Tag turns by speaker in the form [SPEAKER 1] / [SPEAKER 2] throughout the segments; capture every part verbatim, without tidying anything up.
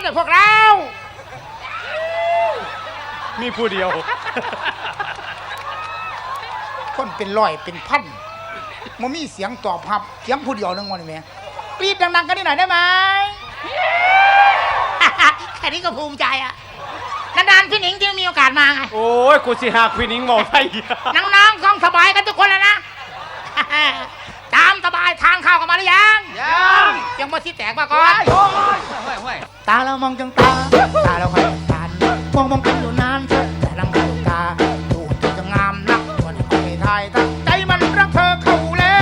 [SPEAKER 1] เนี่ยพวกเรา
[SPEAKER 2] มีผู้เดียว
[SPEAKER 1] คนเป็นร้อยเป็นพันมันมีเสียงตอบรับเสียงผู้เดียวนึงวันนี้แม่กรี๊ดดังๆกันนิดหน่อยได้ไหมแค่นี้ก็ภูมิใจอ่ะนานๆพี่หนิงจึงมีโอกาสมาไง
[SPEAKER 2] โอ้ยกูสิหาพี่หนิงบอกไทย
[SPEAKER 1] น้องๆต้องสบายกันทุกคนแล้วนะตามสบายทางเข้ากันมาหรือยังยังยังมาชี้แตกมาก่อนตาเรามองจังตาตาเราคอยตามองมองกันอยู่นานแต่ลังตาตาดูเธอจะงามนักวันนี้คอยทายตั้งใจมันรักเธอเข้าแล้ว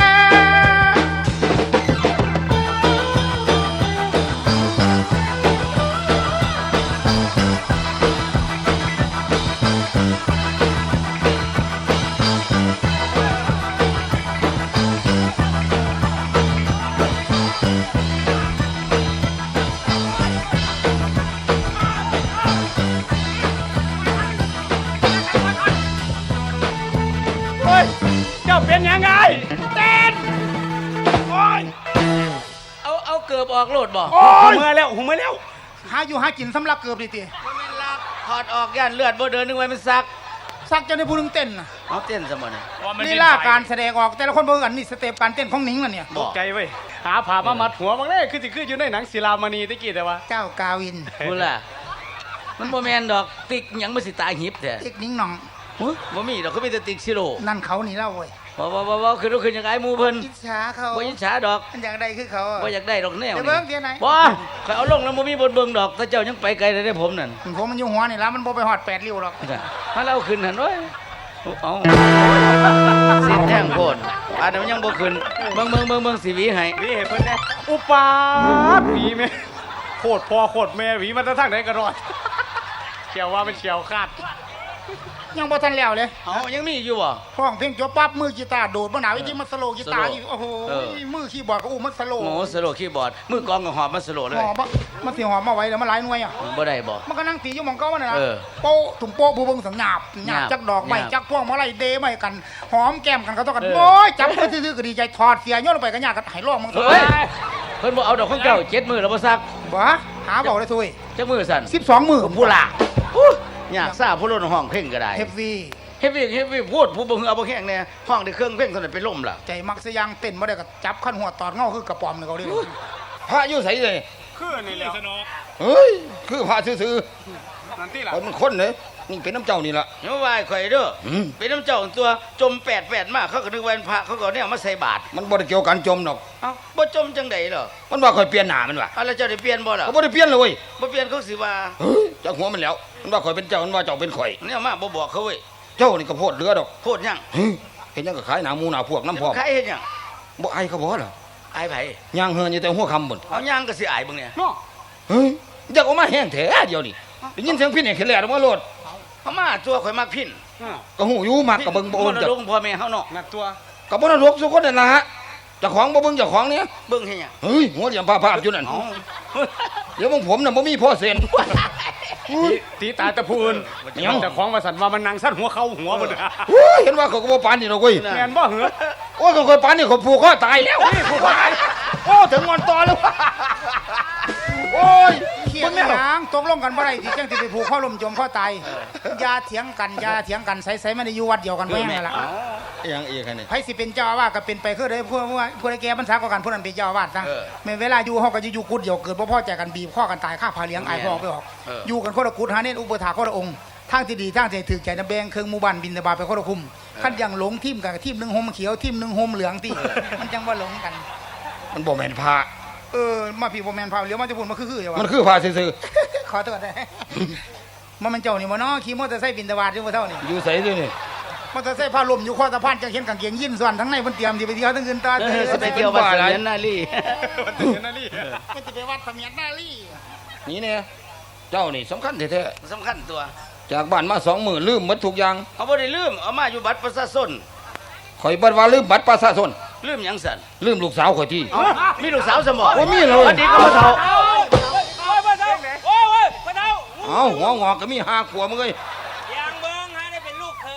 [SPEAKER 2] เจ้าเป็นยังไง
[SPEAKER 1] เต้นโอ้ย
[SPEAKER 3] เอาเอาเกือบออกโลดบ่
[SPEAKER 2] โอ้ยเมื่อแล้วหูเมื่อแล้ว
[SPEAKER 1] หาอยู่หากินสำลักเกือบดิตี
[SPEAKER 3] มันเป็นลักถอดออกย่านเลือดบ่เดินนึกไว้มันซัก
[SPEAKER 1] ซักจะได้พูดถึงเต้นนะ
[SPEAKER 3] เอาเต้นซะบ่เนี่ย
[SPEAKER 1] นี่ล่าการแสดงออกแต่ละคนเบิ่งกันนี่สเต็ปการเต้นของหนิงล่ะเนี่ย
[SPEAKER 2] ตกใจเว้ยหาผ่ามามัดหัวบางเล่คือสิคืออยู่ในหนังศิลามณีตะกี้แต่ว่า
[SPEAKER 1] เจ้ากาวิน
[SPEAKER 3] พูดล่ะมันบ่แม่นดอกติ๊กหยังมันสิตาหิบแท้
[SPEAKER 1] ติ๊กนิ้งหน่อง
[SPEAKER 3] บ่มีดอกเขามีแต่ติ๊กซิโร่
[SPEAKER 1] นั่นเขานี่เล่าเว้ย
[SPEAKER 3] บ่บ่บ่บ่คือคือจังไงหมู่เพิ่น
[SPEAKER 1] อิจฉาเขา
[SPEAKER 3] บ่อิจฉาดอก
[SPEAKER 1] มันอยากได้คือเขา
[SPEAKER 3] บ่อยากได้ดอกแนว
[SPEAKER 1] นี่เบิ่งเดี๋ยวไหน
[SPEAKER 3] บ่ข่อยเอาลงแล้วบ่มีบนเบิ่งดอกถ้าเจ้ายังไปไกลได้ผมนั่น
[SPEAKER 1] ผมมันอยู่หัวนี่แล้วมันบ่ไปฮอดแปดริ้วหรอก
[SPEAKER 3] ถ้าเราขึ้นหั่นโอ้ยเอาสิแท่งโพดอันนั้นมันยังบ่ขึ้นเบิ่งเบิ่งเบิ่งเบิ่งสิหวีให้
[SPEAKER 2] หวีให้เพิ่นแน่อุปาหวีแม่โคตรพ่อโคตรแม่หวีมันจะทางไหนก็รอดเขียวว่ามันเขียวคาด
[SPEAKER 1] ยังบ่ทันแล้วเลย
[SPEAKER 3] เอ้ายังมีอยู่บ่
[SPEAKER 1] ห้องเพลงจบปั๊บมือกีตาร์โดดบ่หนาวอีกมันสโลกีตาร์อีกโอ้โหมือคีย์บอร์ดก็อู้มันสโล
[SPEAKER 3] โอ้สโลคีย์บอร์ดมือกลองก็หอบมันสโลเลย
[SPEAKER 1] หอบมันสิหอบมาไว้แล้วมันหลายหน่วยอ่ะ
[SPEAKER 3] บ่ได้บ่
[SPEAKER 1] มันก็นั่งตีอยู่หม่องเก่ามันน่ะโป๊ะถุงโป๊ะผู้เบิ่งสังหยาบหยาบจักดอกไม้จักพวงมาลัยเดไม้กันหอมแก้มกันก็ต้องกันโอ้ยจับไปซื่อๆก็ดีใจถอดเสียโยนลงไปก็ยากก็ให้ร้องมึง
[SPEAKER 3] เฮ้ยเพิ่นบ่เอาดอกของเจ้าเจ็ดมื้อแล้วบ่ซัก
[SPEAKER 1] บ่หาเว้าได้ซุย
[SPEAKER 3] จักมื้อสั่น
[SPEAKER 1] สิบสองมื้อ
[SPEAKER 3] ผู้ล่ะยากซ่าผู้ล้นห้องเพ่งก็ได้
[SPEAKER 1] เฮฟวี่
[SPEAKER 3] เฮฟวี่เฮฟวี่พูดผู้บ่ฮือเอาบ่แข็งแน่ห้องได้เครื่องเพ่งเท่านั้นเป็นลมล่ะ
[SPEAKER 1] ใจมักซะยังเต้นบ่ได้ก็จับขั้นหัวตอดเงาคือกระป๋อมนี่เขาเด้
[SPEAKER 4] พระอยู่ไสเลย
[SPEAKER 2] คือนี่แหละสนอ
[SPEAKER 4] เฮ้ยคือพระซื่อ
[SPEAKER 2] ๆนั่นที่ล่ะ
[SPEAKER 4] มันคนเด้นี่เป็นน้ำเจ้านี่ล่ะ
[SPEAKER 3] อย่ามาว่าข่อยเด้อเป็นน้ำเจ้าตัวจมแปดแปดมากเขาก็นึกว่าเป็นพระเขาก็เนี่ยมาใส่บาตร
[SPEAKER 4] มันบ่ได้เกี่ยวกันจมดอก
[SPEAKER 3] เอ้าบ่จมจังได๋เหรอ
[SPEAKER 4] มันว่าข่อยเปลี่ยนหน้ามันว่ะ
[SPEAKER 3] อ้าวแล้วเจ้าได้เปลี่ยนบ่ล่ะ
[SPEAKER 4] ก็บ่ได้เปลี่ยนเลยเว้ย
[SPEAKER 3] บ่เปลี่ยนเขาสิว่า
[SPEAKER 4] เฮ้ยจักหัวมันแล้วมันว่าข่อยเป็นเจ้ามันว่าเจ้าเป็นข่อย
[SPEAKER 3] เนี่ยมาบ่บอกเขาเว้ย
[SPEAKER 4] เจ้านี่ก็โพดเรือดอก
[SPEAKER 3] โพดยัง
[SPEAKER 4] เห็นยังก็ขายหนาหมูหนาพวกน้ำพร้อม
[SPEAKER 3] ขายเฮ็ดยัง
[SPEAKER 4] บ่อายเขาบ่ล่ะ
[SPEAKER 3] อายไผ
[SPEAKER 4] ย่างเฮือนอยู่แต่หัวค่ำบ่
[SPEAKER 3] เอาย่างก็สิอายเบิ่งเนี่ย
[SPEAKER 4] เฮ้ยอยากออกมาแห้งแท้เดียวนี่ได้ยินเสียงพิณเนี่ยขึ้นแล้วมาโลด
[SPEAKER 3] เขามาตัวข่อยมักพิณ
[SPEAKER 4] ก็หูอยู่มักก็เบิ่งบ่โอน
[SPEAKER 3] จักพ่อแม่เฮาเนาะ
[SPEAKER 2] นักตัว
[SPEAKER 4] ก็บ่นรกสุคนนั่นล่ะฮะเจ้าของบ่เบิ่งเจ้าของเนี่ย
[SPEAKER 3] เบิ่งเฮ็ดหยัง
[SPEAKER 4] เฮ้ยหัวเหลี่ยมภาพๆอยู่นั่นเดี๋ยวมึงผมน่ะบ่มีพ่อเซ็น
[SPEAKER 2] ตีตาตะพูนเจ้าของว่าสั่นว่ามันนางสั่นหัวเข้าหัวบ่ได้
[SPEAKER 4] เห็นว่าเขาก็บ่ปานนี่ดอกเว้ย
[SPEAKER 2] แม่นบ่เหรอ
[SPEAKER 4] โอ้ยเขาเคยปานนี่เขาผูกคอตายแล้วผูกคอตายโอ้ถึงงอนตอแล้วโอ้ย
[SPEAKER 1] เขียงหางตกลงกันบ่ได้ที่จังสิไปผูกข้อลมจมข้อตายอย่าเถียงกันอย่าเถียงกันใส่ๆมันอยู่วัดเดียวกันแม่นั่นล่ะ
[SPEAKER 4] ยังอีกคั่นนี่
[SPEAKER 1] ไผสิเป็นเจ้าอาวาสก็เป็นไปคือได้ผู้ผู้ใดแก่บรรษาก็กันผู้นั้นเป็นเจ้าอาวาสซะแม่เวลาอยู่เฮาก็อยู่กุดเดียวเกิดบ่พอใจกันบีบข้อกันตายฆ่าพาเลี้ยงอายพ่อไปออกอยู่กันคนละกุดหาเน้นอุปถาคนละองค์ทางที่ดีทางที่ถูกใจนะแบ่งเครื่องหมู่บ้านบินตบาไปคนละคุมคันยังหลงทีมกันทีมนึงห่มเขียวทีมนึงห่มเหลืองติมันจังว่าหลงกัน
[SPEAKER 4] มันบ่แม่นพระ
[SPEAKER 1] เออมาพี่บ่แม่นพระเลี้ยวมาจะพูดมาคือๆอย่าว่า
[SPEAKER 4] มันคือพระซื่อ
[SPEAKER 1] ๆขอโทษได้มันมันเจ้านี่บ่เนาะขี่มอเตอร์ไซค์บินตบาอยู่บ่เท่านี่
[SPEAKER 4] อยู่ไสซื่อนี่
[SPEAKER 1] มอเตอร์ไซค์พาลมอยู่ข้อสะพานจังเห็นกางเกงยีนส่วนทั้งในเพิ่นเตรียมสิไปเที่ยวทั้งคืนตา
[SPEAKER 3] เออสิไปเที่ยววัดเสมียนนาลี
[SPEAKER 2] วัดเสมียนนาลี
[SPEAKER 1] มันสิไปวัดเสมียนนาลี
[SPEAKER 4] นี่เนี่ยเจ้านี่สำคัญแท้
[SPEAKER 3] ๆสำคัญตัว
[SPEAKER 4] จากบ้านมาสองมื้อลืมหมดทุกอย่าง
[SPEAKER 3] เอาบ่ได้ลืมเอามาอยู่บัตรประชาชน
[SPEAKER 4] ข่อยบ่ว่าลืมบัตรประชาชน
[SPEAKER 3] ลืมหยังสั่น
[SPEAKER 4] ลืมลูกสาวข่อยที่
[SPEAKER 3] มีลูกสาวสมบ่
[SPEAKER 4] บ่มีเลย
[SPEAKER 3] วันนี้ก็บ่เฒ่า
[SPEAKER 4] เอ้าหัวงอกก็มีห้าขวบมึงเอ้ย
[SPEAKER 5] ยังเบิ่งให้ได้เป็นลูกเขย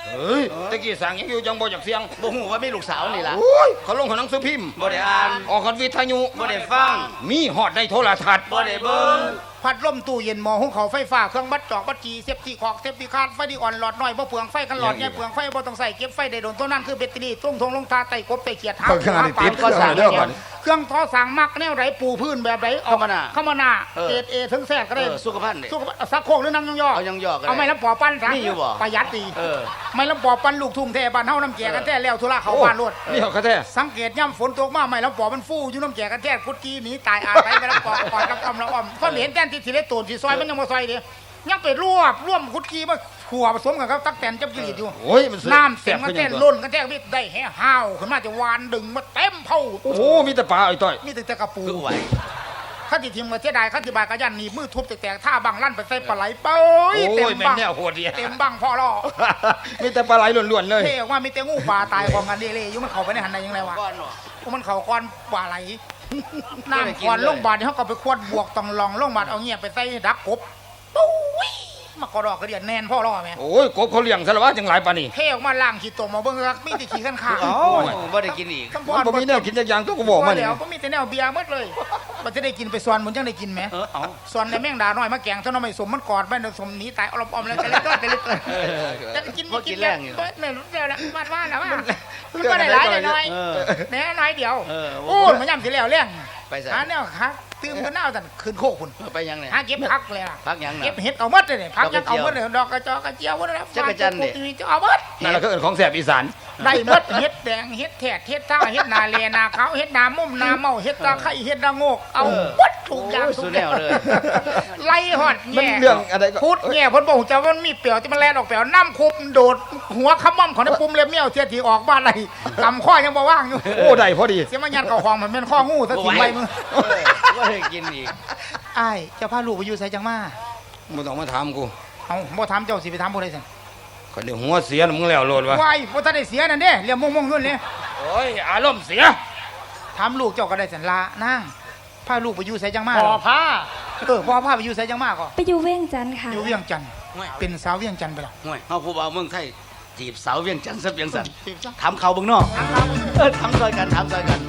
[SPEAKER 4] เฮ้ยตะกี้สั่งยังอยู่จังบ่จากเสียง
[SPEAKER 3] บ่ฮู้ว่ามีลูกสาวนี่ล่ะ
[SPEAKER 4] โอ้ยเขาลงหนังสือพิมพ์
[SPEAKER 3] บ่ได้อ่าน
[SPEAKER 4] ออกกันวิทยุ
[SPEAKER 3] บ่ได้ฟัง
[SPEAKER 4] มีฮอดในโทรทัศน์
[SPEAKER 3] บ่ได้เบิ่ง
[SPEAKER 1] พัดลมตู้เย็นหม้อหุงข้าวไฟฟ้าเครื่องบัดจอกบัดจีเซฟตี้ขอกเซฟตี้คาร์ดไฟดีอ่อนหลอดน้อยบ่เปลืองไฟกันหลอดใหญ่เปลืองไฟบ่ต้องใส่เก็บไฟได้โดนตัวนั้นคือแบตเตอรี่ตุ้งทงลงทาไต่กบไต่เขียดหา
[SPEAKER 4] เปิดขนาดนี้ติดก็สั่งเด้อก่อน
[SPEAKER 1] เครื่องทอสั่งมักแนวไหนปูพื้นแบบไหนออก
[SPEAKER 3] เข้ามาหน้า
[SPEAKER 1] เข้ามาหน้า
[SPEAKER 3] เออ
[SPEAKER 1] เอเอถึงแทรกก็ได้
[SPEAKER 3] เออสุขภาพนี่
[SPEAKER 1] สุขภาพสักโคกหรือนั่งยองๆ
[SPEAKER 3] เอายองๆก็ได้
[SPEAKER 1] เอาไม่ลำปอปั้นซะ
[SPEAKER 3] มีอยู่บ่
[SPEAKER 1] ประหยัดดี
[SPEAKER 3] เออ
[SPEAKER 1] ไม่ลำปอปั้นลูกทุ่งแท้บ้านเฮาน้ำแจกันแท้แล้วธุระเขาบ้านรวด
[SPEAKER 4] นี่เขาแท้
[SPEAKER 1] สังเกตย่ำฝนตกมาไม่ลำปอมันฟูอยู่น้ำแจกันแท้กุดจีหนีตายอาศัยไปลำปอกอดกับอมละออมก็เห็นแต้นที่สิได้ตูนสิซอยมันยังมาซอยเดียยังไปรวบร่วมกุดจีมาขัวผสมกันครับตักแตนจับกิริตอยู่
[SPEAKER 4] โอ้ยมัน
[SPEAKER 1] น้ำเสียงกัน
[SPEAKER 4] ขึ้
[SPEAKER 1] แท้
[SPEAKER 4] ยังตัว
[SPEAKER 1] ล้นกันแท้วิได้แห่ห้าวขึ้นมาจะวานดึงมาเต็มเผา
[SPEAKER 4] โอ้โหมีแต่ปลาไอ้ต้อย
[SPEAKER 1] มีแต่กระปู
[SPEAKER 3] คือไหว
[SPEAKER 1] ข้าติทีมมาเสียดายข้าติบายกระยันหนีมือทุบแตกๆท่าบังลั่นไปใส่ปลาไหลเป้
[SPEAKER 4] โอ้
[SPEAKER 1] ยเต็ม
[SPEAKER 4] ยแม่
[SPEAKER 1] บั
[SPEAKER 4] น
[SPEAKER 1] ง
[SPEAKER 4] แนวโหดดี
[SPEAKER 1] เต็มบังพ่อล่อ
[SPEAKER 4] มีแต่ปลาไหลล้วนๆเลย
[SPEAKER 1] เท่ออกว่ามีแต่งูปลาตายของกันเดเล่อยู่มันเข้าไปในหันได้ยังไงวะ
[SPEAKER 3] ก้อนเนาะ
[SPEAKER 1] มันเข้าก้อนปลาไหล
[SPEAKER 3] ไม่ได้
[SPEAKER 1] น้ำ
[SPEAKER 3] กิน
[SPEAKER 1] ก้อน
[SPEAKER 3] เลย
[SPEAKER 1] ลงบาดนี่เขาก็ไปควดบวกต้องลองลงบาดเอาเงียบไปใส่ดักกบปุ้ยมากระดอกกระเดียนแนนพ่อล่อแม่
[SPEAKER 4] โอ้ยกบเขาเลี้ยงซะแล้วว่าจังหลายปานนี้
[SPEAKER 1] เท่ออกมาล่างขี้ตมมาเบิ่งรักมีแต่ขี้ขันขา
[SPEAKER 3] เอ้าบ่ได้กินอีก
[SPEAKER 1] คำพ
[SPEAKER 4] มันบ่มีแนวกินจักอย่างตัวก็บอกมา
[SPEAKER 1] ว่า
[SPEAKER 4] นี่
[SPEAKER 1] เดี๋ยวก็มีแต่แนวเบียร์หมดเลยมันจะได้กินไปส่วนมันจังได้กินไหม
[SPEAKER 3] เออเอา
[SPEAKER 1] ส่วนในแม่งดาน้อยมาแกงเท่าน้อยไม่สมมันกอดแม่นสมหนีตายอมอมแล้วแต่เล็กก็แต่เล็ก
[SPEAKER 3] เออ
[SPEAKER 1] จะกิน
[SPEAKER 3] บ่กินแรงอยู่
[SPEAKER 1] เนี่ยรู้เดียวแล้วมาว่าแล้วว่ามันก็ได้หลายได้น้อย
[SPEAKER 3] เออ
[SPEAKER 1] แน่น้อยเดียว
[SPEAKER 3] เออ
[SPEAKER 1] โอ้มันย่ำสิแล้วเลี้ยง
[SPEAKER 3] ไปใส่
[SPEAKER 1] หาแนวครับตื่มกันหน้าสั่นคืนโคกคุณ
[SPEAKER 3] ไปยังเนี่ย
[SPEAKER 1] หาเก็บพักเลยอ่ะ
[SPEAKER 3] พักยังน่ะ
[SPEAKER 1] เก็บเห็ดเอาหมดเลยเนี่ยพักยังเอาหมดเลยดอกกระจอกกระเจียวหมดเลย
[SPEAKER 3] จักรจันทร์เนี่ย
[SPEAKER 1] จะเอาหมด
[SPEAKER 4] นั่นแหละคือเอิ้นของแสบอีสาน
[SPEAKER 1] ได้หมดเห็ดแดงเห็ดแถดเห็ดท่าเห็ดนาเลนาขาวเห็ดนามุ่มนาเมาเห็ดตาไข่เห็ดนาโงกเอาหมดถูกอย่าง
[SPEAKER 3] โอ้ย
[SPEAKER 1] ทุ
[SPEAKER 3] สุ
[SPEAKER 1] ก
[SPEAKER 3] ด
[SPEAKER 1] อ
[SPEAKER 3] แน
[SPEAKER 1] ย่าง
[SPEAKER 3] วเลย
[SPEAKER 1] ไล่หอด
[SPEAKER 4] มัน
[SPEAKER 1] แง่
[SPEAKER 4] เรื่องอะไรก็
[SPEAKER 1] พูดแง่เพ้นบอกจะว่ามันมีเปลียวที่มันแล่นออกเปลียวน้ำคุบโดดหัวขมั่มของในปุ่มเล็บเมี่ยวเทียทีออกบ้านอะไรกำข้อยังบ่ว่างอยู่
[SPEAKER 4] โอ้ได้พอดี
[SPEAKER 1] เสียมันยันเข่าห้องมันเป็นข้องูซะทิ้งไว้มึง
[SPEAKER 3] เออบ่ได้กินอีก
[SPEAKER 1] ไอ้ายเจ้าพาลูกไปอยู่ไสจังมา
[SPEAKER 4] บ่ต้องมาถามกู
[SPEAKER 1] เอาบ่ถามเจ้าสิไปถามผู้ใดสั่น
[SPEAKER 4] คนเดียวหัวเสียน่ะมึงแล้วโลดวะ
[SPEAKER 1] วายบ่ทันได้เสียนั่นเด้เรียมมงๆขึ้นเลย
[SPEAKER 4] โอ้ยอารมณ์เสีย
[SPEAKER 1] ถามลูกเจ้าก็ได้สั่นลานางพาลูกไปอยู่ไสจังมา
[SPEAKER 2] พอผ้า
[SPEAKER 1] เออพ่อพาไปอยู่ไสจังมาก็
[SPEAKER 5] ไปอยู่เวียงจันทร์ค่ะ
[SPEAKER 1] อยู่เวียงจันทน์เป็นสาวเวียงจันทน์ไปแล้ว
[SPEAKER 3] ห่วยเฮาผู้บ่าวเมืองไทยจีบสาวเวียงจันทร์ซะเวียงสัน
[SPEAKER 1] จีบซะ
[SPEAKER 3] ถามเขาเบิ่งเนาะเออถามซอยกันถามซอยกัน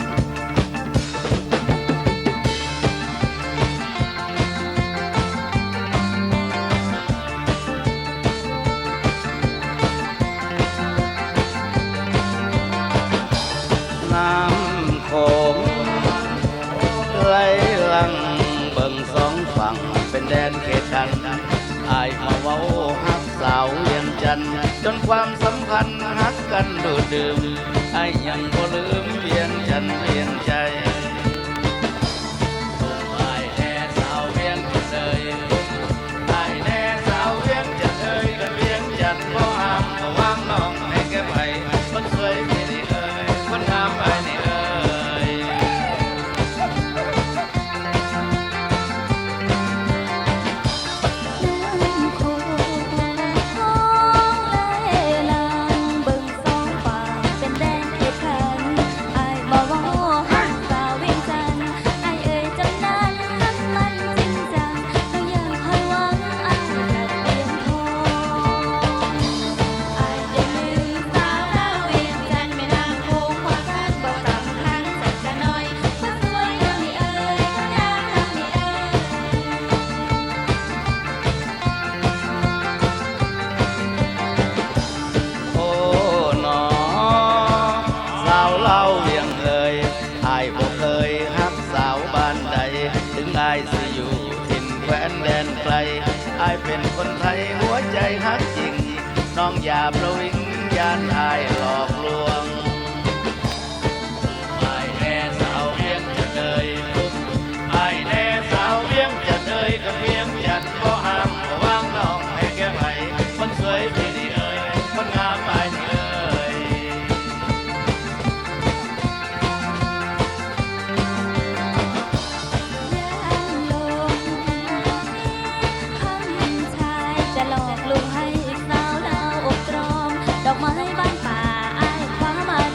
[SPEAKER 3] น้ำโขงไหลหลังเบิ่งสองฝั่งเป็นแดนเขตกันอายมาเว้าฮักสาวเวียงจันทน์จนความสัมพันธ์ฮักกันดูดดื่มอายยังบ่ลืมเวียงจันทน์เวียงใจอายแน่สาวเวียงจันทน์เอ่ยอายแน่สาวเวียงจันทน์เอ่ยกันเวียงจันทน์บ่ห้ามบ่วางน้องให้แก้ไขคนสวยที่นี่เอ่ยคนงามอายนี่เอ่ย
[SPEAKER 5] น้ำโขงห้องไหลหลังเบิ่งสองฝั่งเป็นแดนเขตขันอ้ายบ่เว้าฮักสาวเวียงจันทน์อ้ายเอ่ยจังนั้นฮักมันจริงจังแล้วยังคอยหวังอ้ายนักเตรียมทองอ้ายได้ลืมสาวดาวเวียงจันทน์แม่น้ำโขงความรักบ่สำคัญสักจะน้อยคนสวยงามนี่เอ่ยคนงามงามนี่เอ่ย
[SPEAKER 3] โอ้หนอสาวเล่าเวียงเลยอายบ่เคยฮักสาวบ้านใด ถึงอายสิอยู่ถิ่นแคว้นแดนไกลอายเป็นคนไทยหัวใจฮักจริง น้องอย่าประวิงยานอายหลอกลวงอายแน่สาวเวียงจะเอ่ยอายแน่สาวเวียงจะเอ่ยกับเวียงจันทน์บ่ห้ามบ่วางน้องให้แก้ไขคนสวยที่นี่เอ่ยคนงามอายนี่เอ่ย
[SPEAKER 5] ยังลงคำชายจะหลอกลวงให้สาวดาวอกตรอม ดอกไม้บ้านป่าอ้ายคว้ามา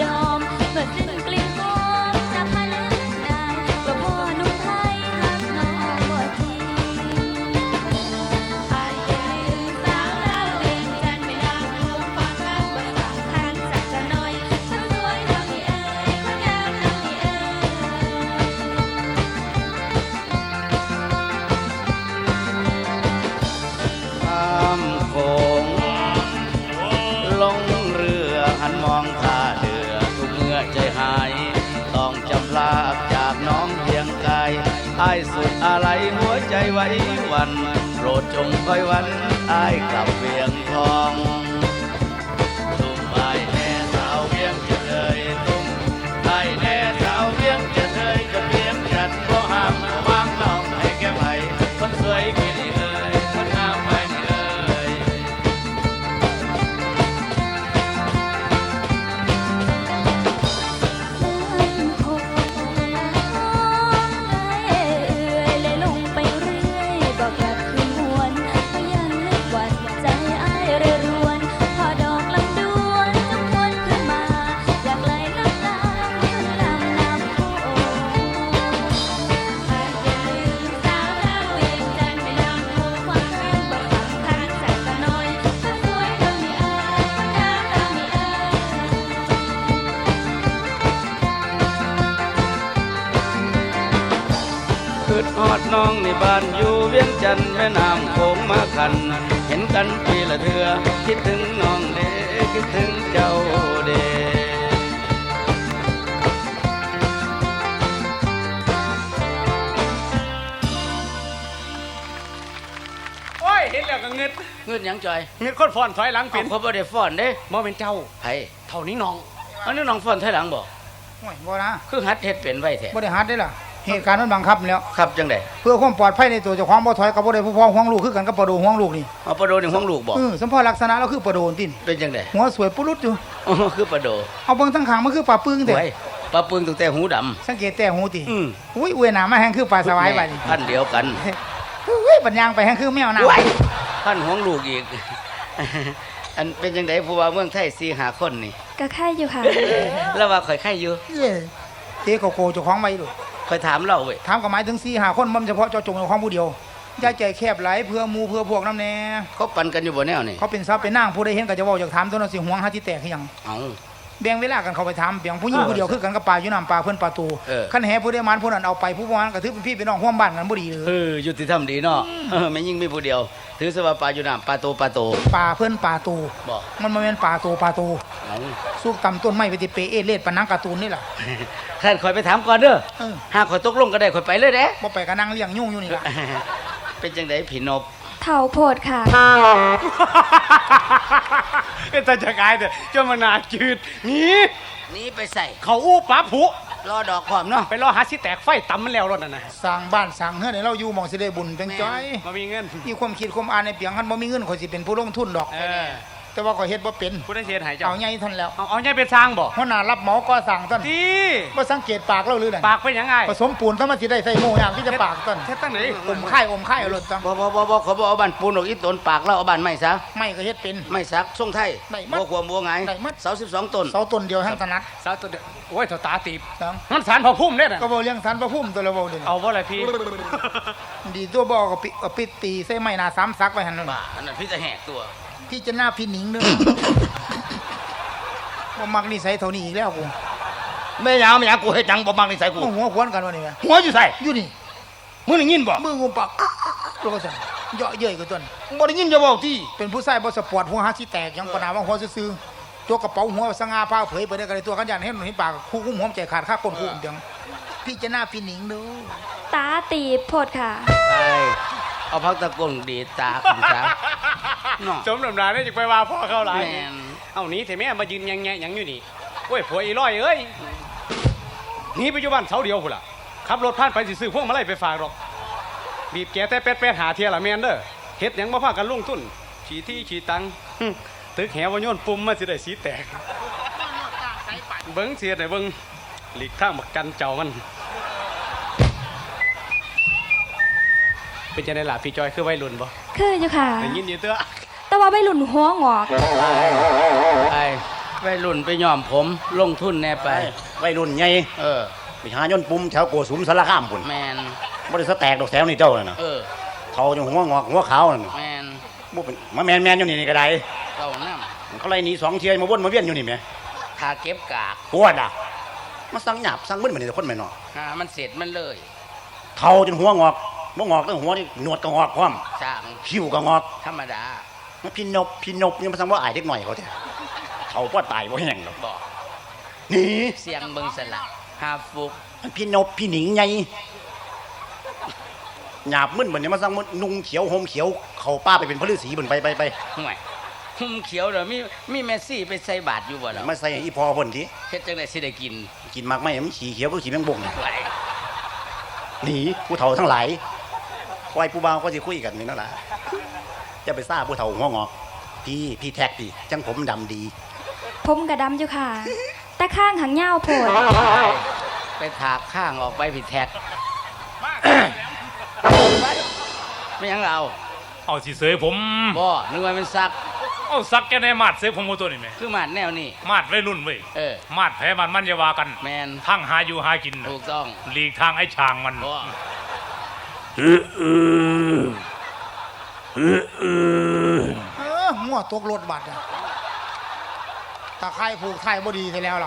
[SPEAKER 3] สุดอะไรหัวใจไว้วันโปรดจงคอยวันอายกลับเวียงทองตุ้มอายแน่สาวเวียงจะเลยตุ้มอายแน่สาวเวียงจะเลยจะเวียงจันทร์บ่ห้ามวางน้องให้แก้ไขคนสวยกี่นี่เอ่ยคนงามไม่นี่เอ่ย
[SPEAKER 5] คงเอ่ยเลยลงไปเรื่อยบอกกลับคืนหวนก็ยังนึกหวั่นใจอ้ายเรือรวนพอดอกลำดวนจะมวนขึ้นมาอยากไหลน้ำตาขึ้นลำน้ำโขงหากอย่าลืมสาวดาวเวียงจันทร์ไม่นำโขงความรักบอกสำคัญสักหน่อยก็สวยเท่านี้เอ่ยก็งามเท่านี้เอ่ย
[SPEAKER 3] คืดฮอดน้องในบ้านอยู่เวียงจันทน์แม่น้ำโขงมาขัน เห็นกันปีละเทือคิดถึงน้องเด้คิดถึงเจ้าเด้
[SPEAKER 2] โอ้ยเห็นแล้วก็เงิด
[SPEAKER 3] เงินหยังจอย
[SPEAKER 2] เงิดคนฟอนถอยหลังเป็
[SPEAKER 3] เอา
[SPEAKER 2] น
[SPEAKER 3] เขาบ่ได้ฟ้อนเด้
[SPEAKER 2] บ่เป็นเจ้า
[SPEAKER 3] ไผ
[SPEAKER 2] เท่านี้น้อง
[SPEAKER 3] อันนี้น้องฟ้อนถอยหลังบ่
[SPEAKER 1] โอ้ยบ่นะ
[SPEAKER 3] คือหัดเฮ็ดเป็นไว้แท้
[SPEAKER 1] บ่ได้ฮัดได้ล่ะเหตุการณ์มันบังคับแล้ว
[SPEAKER 3] ครับจังได๋
[SPEAKER 1] เพื่อความปลอดภัยในตัวเจ้าของบ่ถอยกับบ่ได้ผู้พ้องห่วงลูกคือกันกับปลาโดห่วงลูกนี่
[SPEAKER 3] เอาประโดนี่ห้องลูกบ่
[SPEAKER 1] เออสมพอลักษณะเราคือปลาโดนติน
[SPEAKER 3] เป็นจังได๋
[SPEAKER 1] หัวสวยปุรุษอยู่
[SPEAKER 3] อ๋อคือประโด
[SPEAKER 1] เอาเบิ่งทั้งข้างมันคือปลาปึ้งแต่
[SPEAKER 3] ไว้ปลาปึงตั้งแต่หูดำ
[SPEAKER 1] สังเกตแต่หูติ
[SPEAKER 3] อืม
[SPEAKER 1] อุ้ยอวยหน้ามาแฮงคือปลาสวายบัดนี้
[SPEAKER 3] พันเดียวกัน
[SPEAKER 1] อุ้ยปัญญางไปแฮงคือแมวน้ำ
[SPEAKER 3] ไว้พันห้องลูกอีก อันเป็นจังได๋ผู้ว่าเมืองไทยสี่ห้าคนนี่
[SPEAKER 5] ก็แค่อยู่ค่ะ
[SPEAKER 3] แล้วว่าข่อยไข่อยู่
[SPEAKER 1] เย้เตะโกโก้เจ้าของไว้ดู
[SPEAKER 3] ข่อยถามเราเว้ย
[SPEAKER 1] ถามก็หมายถึงสี่ห้าคนมันเฉพาะเจ้าจงเจ้าของผู้เดียวอย่าใจแคบหลายเพื่อหมู่เพื่อพวกนำแน่
[SPEAKER 3] เขาปั่นกันอยู่บ่แนวนี่
[SPEAKER 1] เขาเป็นทรัพย์เป็นนางผู้ใดเห็นก็จะเว้าอยากถามตัวนั้นสิห่วงหาที่แตกคือหยัง
[SPEAKER 3] เอ้า
[SPEAKER 1] แบ่งเวลากันเข้าไปถามเบียงผู้หญิงผู้เดียวคือกันกับปลาอยู่น้ำปลาเพิ่นปลาตู
[SPEAKER 3] เออ
[SPEAKER 1] คันแห่ผู้ใดมันผู้นั้นเอาไปผู้บ่มันก็ถือเป็นพี่เป็นน้องร่วมบ้านกันบ่ดีเลย
[SPEAKER 3] เออยุติธรรมดีเนาะเออแม่ยิ่งมีผู้เดียว ถือซะว่าปลาอยู่น้ำปลาโตปลาโต
[SPEAKER 1] ปลาเพิ่นปลาตู
[SPEAKER 3] บ่
[SPEAKER 1] มันบ่แม่นปลาตูปลาตู
[SPEAKER 3] เอ้า
[SPEAKER 1] สุกตำต้นไม้ไปติเปเอเลดปานนังการ์ตูนนี่ล่ะ
[SPEAKER 3] ท่านข่อยไปถามก่อนเด้อ
[SPEAKER 1] เออ
[SPEAKER 3] หากข่อยตกลงก็ได้ข่อยไปเลยเด้
[SPEAKER 1] บ่ไปก็นั่งเลี้ยงยุ่งอยู่นี่ล่ะ
[SPEAKER 3] เป็นจังได๋พี่นบ
[SPEAKER 5] เถ่าโพดค่ะ
[SPEAKER 2] เอ้ยแต่จะกายแต่เจ้ามานาจืดหนี่
[SPEAKER 3] หนี่ไปใส่
[SPEAKER 2] เขาอู้ปลาผุ
[SPEAKER 3] รอดอกความเนาะ
[SPEAKER 2] ไปรอหาสิแตกไฟตำมันแล้วรถนั่นน่ะ
[SPEAKER 1] สร้างบ้านสร้างเฮือนให้เราอยู่หม่องสิได้บุญเป็นจ้อย
[SPEAKER 2] มามีเงิน
[SPEAKER 1] มีความคิดความอ่านในเปียงคันบ่มีเงินข่อยสิเป็นผู้ลงทุนดอก
[SPEAKER 2] เออ
[SPEAKER 1] แต่ว่าข่อยเฮ็ดบ่เป็น
[SPEAKER 2] ผู้ได้เสียหายเจ้า
[SPEAKER 1] เอาใหญ่เท่านนแล้ว
[SPEAKER 2] เอาเอาใหญ่เป็นสร้างบ่
[SPEAKER 1] หัวหน้ารับเหมาก่อสร้างต้น
[SPEAKER 2] ดี
[SPEAKER 1] บ่สังเกตปากเราหรือนั่น
[SPEAKER 2] ปากเป็นยังไง
[SPEAKER 1] ผสมปูนต้องมาสิได้ใส่โม่ยามที่จะปากต้น
[SPEAKER 2] เฮ็ดตั้งไหน
[SPEAKER 1] อมค่ายอมค่ายเอารถจัง
[SPEAKER 3] บ่บ่บ่บ่เขาบ่เอาบ้านปูนออกอีตนปากเราเอาบ้านไม้ซะ
[SPEAKER 1] ไม่ก็เฮ็ดเป็น
[SPEAKER 3] ไม้สักทรงไทย
[SPEAKER 1] ได้มัด
[SPEAKER 3] บ่ความบ่ไง
[SPEAKER 1] ได้มัด
[SPEAKER 3] เสาสิบสองต้น
[SPEAKER 1] เสาต้นเดียวทั้งถนัด
[SPEAKER 2] สาวตัวเดียวโอ้ยเท่าตาตีบ
[SPEAKER 1] จัง
[SPEAKER 2] มันสารพอพุ่มเด้น่ะ
[SPEAKER 1] ก็บ่เลี้ยงสันพระพุ่มตัวละเว้าเด้
[SPEAKER 2] เอาบ่ล่ะพี่
[SPEAKER 1] ดีตัวบ่ก็ปิเอาปิดตีใส่ไม้หน้าสามซักไว้หั่นนั่น
[SPEAKER 3] บ้าอันนั้นพี่จะแหกตัว
[SPEAKER 1] พี่จะหน้าพี่หนิงเด้อ บ่มักนิสัยเท่านี้อีกแล้วกู
[SPEAKER 4] แม่ยาวแม่ยาวกูเฮ็ดจังบ่มักนิสัยกู
[SPEAKER 1] มึงหัวควนกันวะนี่แม่
[SPEAKER 4] หัวอยู่ใส่
[SPEAKER 1] อยู่นี่
[SPEAKER 4] มึงได้ยินบ่
[SPEAKER 1] มืองุมปากแล้วก็สั่นเยาะเย้ยกับต้น
[SPEAKER 4] บ่ได้ยินจะเว้าติ
[SPEAKER 1] เป็นผู้ชายบ่สปอร์ตหัวหาสิแตกยังปนาว่าหัวซื่อๆตัวกระเป๋าหัวสง่าผ้าเผยไปได้กันเลยตัวกันยันเห็นเห็นปากคู่กุ้มหัวใจขาดค่าก้นคู่เดียงพี่จะหน้าพี่หนิงเด้อ
[SPEAKER 5] ตาตีบโพดค่ะ
[SPEAKER 3] ไปเอาพักตะกงดีดตาขึ้นซะเนาะ
[SPEAKER 2] สมน้ำหน้าได้จะไปว่าพ่อเขาหลาย
[SPEAKER 3] แม่น
[SPEAKER 2] เอาหนี้แต่แม่มายืนแงะๆหยังอยู่นี่โอ้ยผัวอีร้อยเอ้ยหนีไปอยู่บ้านเสาเดียวพุ่นล่ะขับรถผ่านไปสิซื้อพวกมาไล่ไปฝากหรอกบีบแกแต่เป็ดเป็ดหาเทียละแม่นเด้อเฮ็ดหยังบ่พากันลงทุนขี่ที่ขี่ตังหึตึกแหวโยนปุ่มมาสิได้สีแตกเบิ่งเสียได้เบิ่งหลีกทางบักกันเจ้ามันเป็นจังได๋ล่ะพี่จอยคือวัยรุ่นบ่
[SPEAKER 5] คืออยู่ค่ะ
[SPEAKER 2] ได้ยินอยู่เด้อ
[SPEAKER 5] แต่ว่าไม่หลุนหัวงอก
[SPEAKER 3] ไปไปรุ่นไปย้อมผมลงทุนแน่ไป
[SPEAKER 4] วัยรุ่นใหญ่
[SPEAKER 3] เออ
[SPEAKER 4] ไปหายนต์ปุ่มแถวโกสุมสารคามพุ่น
[SPEAKER 3] แมน
[SPEAKER 4] บ่ได้สแตกดอกแถวนี่เจ้านั่นน่ะ
[SPEAKER 3] เออ
[SPEAKER 4] เขาจังหัวงอกหัวขาวนั่นน่ะ
[SPEAKER 3] แมน
[SPEAKER 4] บ่เป็นมาแม่นๆอยู่นี่นี่ก็ได้
[SPEAKER 3] เก่าน้
[SPEAKER 4] เขาไล่หนีสองเที่ยมาวนมาเวียนอยู่นี่แหม
[SPEAKER 3] ำทาเก็บกาก
[SPEAKER 4] ปวดอ่ะมาสั่งหยาบสั่งมึนเหมือนคนแม่นเนาะ
[SPEAKER 3] หามันเสร็จมันเลย
[SPEAKER 4] เฒ่าจนหัวงอกบ่งอกตั้งหัวนี่หนวดก็งอกพร้อม
[SPEAKER 3] สร้าง
[SPEAKER 4] คิ้วก็งอก
[SPEAKER 3] ธรรมดา
[SPEAKER 4] พี่นบพี่นบยังมาสั่งว่าอายเด็กหน่อยเขาแท้เขาบ่ตายบ่แห้งดอก
[SPEAKER 3] บอก
[SPEAKER 4] นี่
[SPEAKER 3] เสียงเบิงสละหาฟุก
[SPEAKER 4] พี่นบพี่หนิงใหญ่หยาบมึนเหมือนเนี่ยมาสั่งมันนุ่งเขียวห่มเขียวเขาป้าไปเป็นพระฤาษีเหมือนไปไปไป
[SPEAKER 3] ห่วยหุ่มเขียวเด้อมีมีเมสซี่ไปใส่บาตรอยู่บ่ล่ะ
[SPEAKER 4] มาใส่ให้อีพอเพิ่นที
[SPEAKER 3] เฮ็ดจังได๋สิได้กิน
[SPEAKER 4] กินมากไหมมันขี่เขียวก็ขี่แมงบง
[SPEAKER 3] ไหว
[SPEAKER 4] หนีผู้เฒ่าทั้งหลายไว้ผู้บ่าวก็จะคุยกันนี่นั่นแหละจะไปซ่าผู้เฒ่าหัวงอกพี่พี่แท็กพี่จังผมดำดี
[SPEAKER 5] ผมกระดำอยู่ค่ะ แต่ข้างหางเงาวโผล่
[SPEAKER 3] ไปถากข้างออกไปผิดแท็กไม่ยังเรา
[SPEAKER 6] เอาสิเสยผม
[SPEAKER 3] บ่นึกว่ามันซัก
[SPEAKER 6] เอาซักแกในมาดเสยผมเอาตัวนี้ไหม
[SPEAKER 3] คือมาดแนวนี้
[SPEAKER 6] มาดไว้รุ่นเว้ย
[SPEAKER 3] เออ
[SPEAKER 6] มาดแพ้มันมันอย่าว่ากัน
[SPEAKER 3] แมน
[SPEAKER 6] ทั้งหาอยู่หากินน่ะ
[SPEAKER 3] ถูกต้อง
[SPEAKER 6] หลีกทางไอ้ช่างมัน
[SPEAKER 3] บ่
[SPEAKER 1] เออมั่วตกรถบัตรอะตาไคร่ผูกไทยบ่ดีไปแล้วล่ะ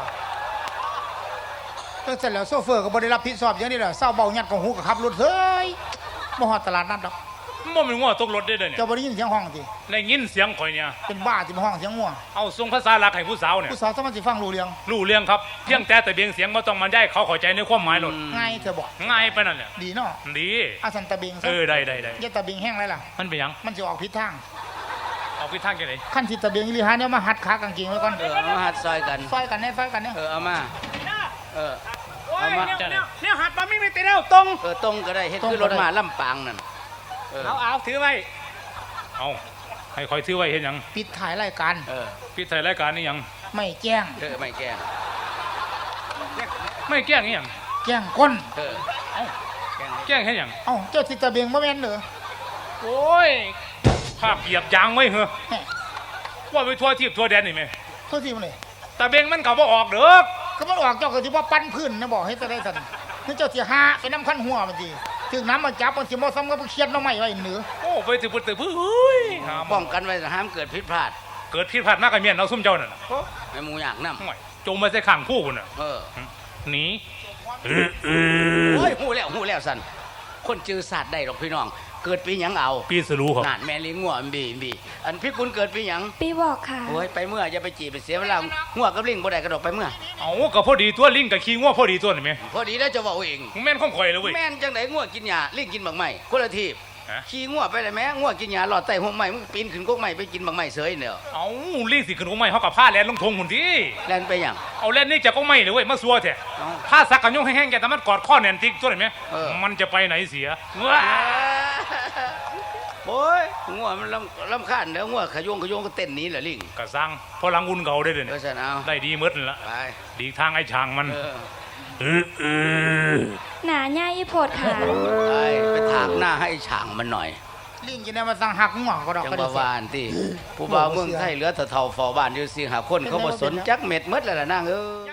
[SPEAKER 1] ก็เสร็จแล้วโซเฟอร์ก็บ่ได้รับผิดชอบอย่างนี้แหละเศร้าเบาหยัดของหูกับขับรถเฮ้ยบ่ฮอดตลาดนัดดอก
[SPEAKER 6] มันเป็นง้อตกรถได้เลยเนี่ย
[SPEAKER 1] เจ้าบ่ได้ยินเสียงห้องติ
[SPEAKER 6] ได้ยินเสียงข่อยเนี่ย
[SPEAKER 1] เป็นบ้าที่มาห้องเสียงงัว
[SPEAKER 6] เอาส่งภาษาหลักให้ผู้สาวเนี่ย
[SPEAKER 1] ผู้สาวสามารถสิฟังรู้เรื่อง
[SPEAKER 6] รู้เรื่องครับเพียงแต่แต่เบียงเสียงบ่ต้องมันได้เขาเข้าใจในความหมายหลด
[SPEAKER 1] ง่ายเธอบอก
[SPEAKER 6] ง่ายไปนั่นแหละ
[SPEAKER 1] ดีเนาะ
[SPEAKER 6] ดี
[SPEAKER 1] อาสันตะเบงซะ
[SPEAKER 6] เออได้ได้ได้
[SPEAKER 1] อย่าตะเบงแห้งไรล่ะ
[SPEAKER 6] มันเป็นหยัง
[SPEAKER 1] มันสิออกผิดทาง
[SPEAKER 6] เอาไปทางแกไหน
[SPEAKER 1] ขั้นสิตะเบงอีหลีหาเนี่ยมาหัดขากางเกงไว้ก่อน
[SPEAKER 3] เออเอามาหัดซอยกัน
[SPEAKER 1] ซอยกันแน่ซอยกันแน่
[SPEAKER 3] เออเอามาเออเอามา
[SPEAKER 6] จ้าเนี่ย
[SPEAKER 2] เนี่ยหัดมาไม่มีตีแล้วตรง
[SPEAKER 3] เออตรงก็ได้เฮ็ดคือรถมาลำปางนั่นเออ
[SPEAKER 2] เอาเอาถือไว้
[SPEAKER 6] เอาให้คอยถือไว้เห็นหยัง
[SPEAKER 1] ปิดถ่ายรายการ
[SPEAKER 3] เออ
[SPEAKER 6] พี่ไทยรายการนี่หยัง
[SPEAKER 1] ไม่แจ้ง
[SPEAKER 3] เออไม่แก้
[SPEAKER 6] ไม่แกล้งนี่หยัง
[SPEAKER 1] แจ้งก้น
[SPEAKER 3] เออ
[SPEAKER 6] เอ้า
[SPEAKER 3] แก้
[SPEAKER 6] แกล้งให้หยัง
[SPEAKER 1] เอ้าเจ้าสิตะเบงบ่แม่นเหรอ
[SPEAKER 6] โอ้ยภาพเหยียบยางไว้เหรอ
[SPEAKER 1] แหม่
[SPEAKER 6] ว่าไปทั่วทิพย์ทั่วแดนนี่ไหม
[SPEAKER 1] โทษทีมันเลย
[SPEAKER 6] แต่เบงมันก็บ่ออกเด้อ
[SPEAKER 1] ก็มันออกเจ้าก็สิว่าปั้นพื้นนะบอกให้จะได้สั่นนี่เจ้าสิหาไปน้ำขั้นหัวมันสิถึงน้ำมาจับมันสิบ่ซ้ำกับเคียดน้ำไม้ไว้เหนือ
[SPEAKER 6] โอ้ไปถึงปุตตะพื้เฮ้ยหา
[SPEAKER 3] ป้องกันไว้ห้ามเกิดผิดพลาด
[SPEAKER 6] เกิดผิดพลาดมากกับเมียนเราซุ่มเจ้านั่นน่ะ
[SPEAKER 3] ให้หมูอยากนำ
[SPEAKER 6] ห่วยจงมาใส่ข้างคู่พุ่นน่ะ
[SPEAKER 3] เออ
[SPEAKER 6] หนี
[SPEAKER 3] โอ้ยหูแล้วหูแล้วสันคนจือศาสตร์ได้หรอกพี่น้อง เกิดปีหยังเอา
[SPEAKER 6] ปีสรู้ครับ
[SPEAKER 3] นานแม่ลิงงัวมันบีมันบีอันพี่คุณเกิดปีหยัง
[SPEAKER 5] ปีบอกค่ะ
[SPEAKER 3] โอ้ยไปเมื่ออย่าไปจีบไปเสียเวลางัวกับลิงบ่ได้กระดกไปเมื่อ
[SPEAKER 6] เอาก็พอดีตัวลิงกับขี้งัวพอดีตัวนี่ไหม
[SPEAKER 3] พอดีแล้วจะบอกเอง
[SPEAKER 6] มึงแม่นของข่อยเลยเว้ย
[SPEAKER 3] แม่นจังไดงัวกินหญ้าลิงกินบักไม้คนละทีบ
[SPEAKER 6] ฮะ
[SPEAKER 3] ขี่งัวไปเลยแม่งัวกินหญ้าหลอดใต้หัวไม้มึงปีนขึ้นกกไม้ไปกินบักไม้เสยเด้อ
[SPEAKER 6] เอาลิงสิขึ้นของไม่เขากับผ้าแลนลงทงหุ่นที่
[SPEAKER 3] แล่นไปหยัง
[SPEAKER 6] เอาแลนนี่จะก็ไม่เลยเว้ยมาซัวแท้
[SPEAKER 3] เอ้า
[SPEAKER 6] ผ้าสักกันยงแห้งๆแกแต่มันกอดข้อแน่นติ๊กตัวนี่ไหม
[SPEAKER 3] เออ
[SPEAKER 6] มันจะไปไหนเสียว้า
[SPEAKER 3] โอ้ยงัวมันลำลำคาญแล้วงัวขยงขยงก็เต้นหนี้แหละลิง
[SPEAKER 6] กระซังพอหลังอุ่นเก่าได้เลย
[SPEAKER 3] เพ
[SPEAKER 6] เนี่ย
[SPEAKER 3] ราะฉะนั้นเอา
[SPEAKER 6] ได้ดีหมดนั่นละ
[SPEAKER 3] ไป
[SPEAKER 6] ดีทางไอ้ช่างมัน
[SPEAKER 3] เออ
[SPEAKER 6] เออเออ
[SPEAKER 5] หนาใหญ่โพดค่ะ
[SPEAKER 3] ไปไปถากหน้าให้ฉางมันหน่อย
[SPEAKER 1] ลิงกินได้มาสั่งหักงัวก็ดอก
[SPEAKER 3] จัง
[SPEAKER 1] ก็
[SPEAKER 3] บ่
[SPEAKER 1] ได้
[SPEAKER 3] วานที่ผู้บ่าวเมืองไทยเหลือแต่เท่าเฝ้าบ้านอยู่สิหาคนเขาบ่สนจักเม็ดหมดแล้วล่ะนางเอ้ย